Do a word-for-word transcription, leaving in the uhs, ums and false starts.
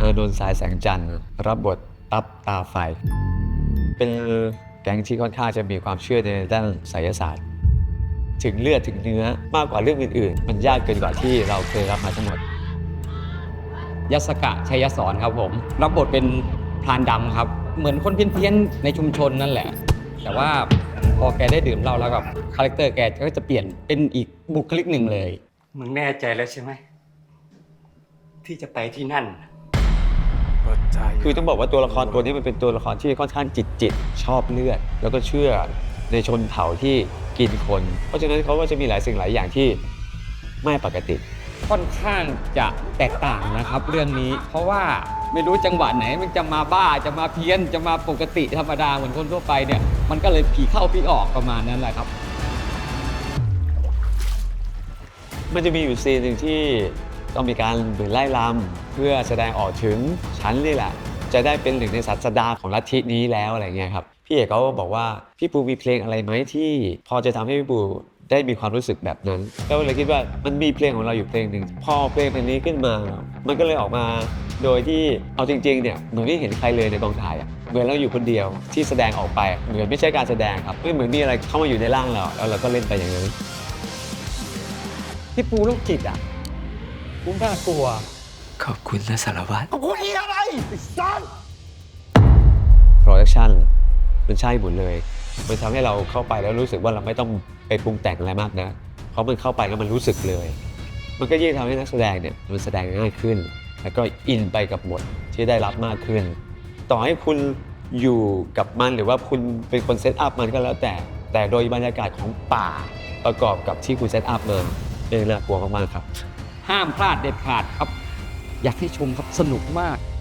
านนท์สายแสงจันทร์รับบทตับตาไฟเป็นแก๊งที่ค่อนข้างจะมีความเชื่อในด้านไสยศาสตร์ถึงเลือดถึงเนื้อมากกว่าเรื่องอื่นๆมันยากเกินกว่าที่เราเคยรับมาทั้งหมดยศกะชัยสอนครับผมรับบทเป็นพรานดำครับเหมือนคนเพี้ยนๆในชุมชนนั่นแหละแต่ว่าพอแกได้ดื่มเหล้าแล้วกับคาแรคเตอร์แกก็จะเปลี่ยนเป็นอีกบุคลิกหนึ่งเลยมึงแน่ใจแล้วใช่ไหมที่จะไปที่นั่นคือต้องบอกว่าตัวละครตัวนี้มันเป็นตัวละครที่ค่อนข้างจิตจิตชอบเลือดแล้วก็เชื่อในชนเผ่าที่กินคนเพราะฉะนั้นเขาก็จะมีหลายสิ่งหลายอย่างที่ไม่ปกติค่อนข้างจะแตกต่างนะครับเรื่องนี้เพราะว่าไม่รู้จังหวะไหนมันจะมาบ้าจะมาเพี้ยนจะมาปกติธรรมดาเหมือนคนทั่วไปเนี่ยมันก็เลยผีเข้าผีออกประมาณนั้นแหละครับมันจะมีอยู่ซีนหนึ่งที่ต้องมีการเหมือนไล่ลำเพื่อแสดงออกถึงฉันนี่แหละจะได้เป็นหนึ่งในศาสดาของลัทธินี้แล้วอะไรเงี้ยครับพี่เอกเขาบอกว่าพี่ปูมีเพลงอะไรไหมที่พอจะทำให้พี่ปูได้มีความรู้สึกแบบนั้นก็เลยคิดว่ามันมีเพลงของเราอยู่เพลงหนึ่งพอเพลงเพลงนี้ขึ้นมามันก็เลยออกมาโดยที่เอาจริงๆเนี่ยเหมือนไม่เห็นใครเลยในกองถ่ายอ่ะเหมือนเราอยู่คนเดียวที่แสดงออกไปเหมือนไม่ใช่การแสดงครับไม่เหมือนมีอะไรเข้ามาอยู่ในร่างเราแล้วเราก็เล่นไปอย่างนั้นพี่ปูโรคจิตอ่ะกูน่ากลัวขอบคุณนะสารวัตรขอบคุณอีอะไรซันโปรดักชั่นมันใช่หมดเลยมันทำให้เราเข้าไปแล้วรู้สึกว่าเราไม่ต้องไปปรุงแต่งอะไรมากนะเพราะมันเข้าไปแล้วมันรู้สึกเลยมันก็ยิ่งทำให้นักแสดงเนี่ยมันแสดงง่ายขึ้นแล้วก็อินไปกับบทที่ได้รับมากขึ้นต่อให้คุณอยู่กับมันหรือว่าคุณเป็นคนเซตอัพมันก็แล้วแต่แต่โดยบรรยากาศของป่าประกอบกับที่คุณเซตอัพมาเป็นน่ากลัวมากๆครับห้ามพลาดเด็ดขาดครับอยากให้ชมครับสนุกมาก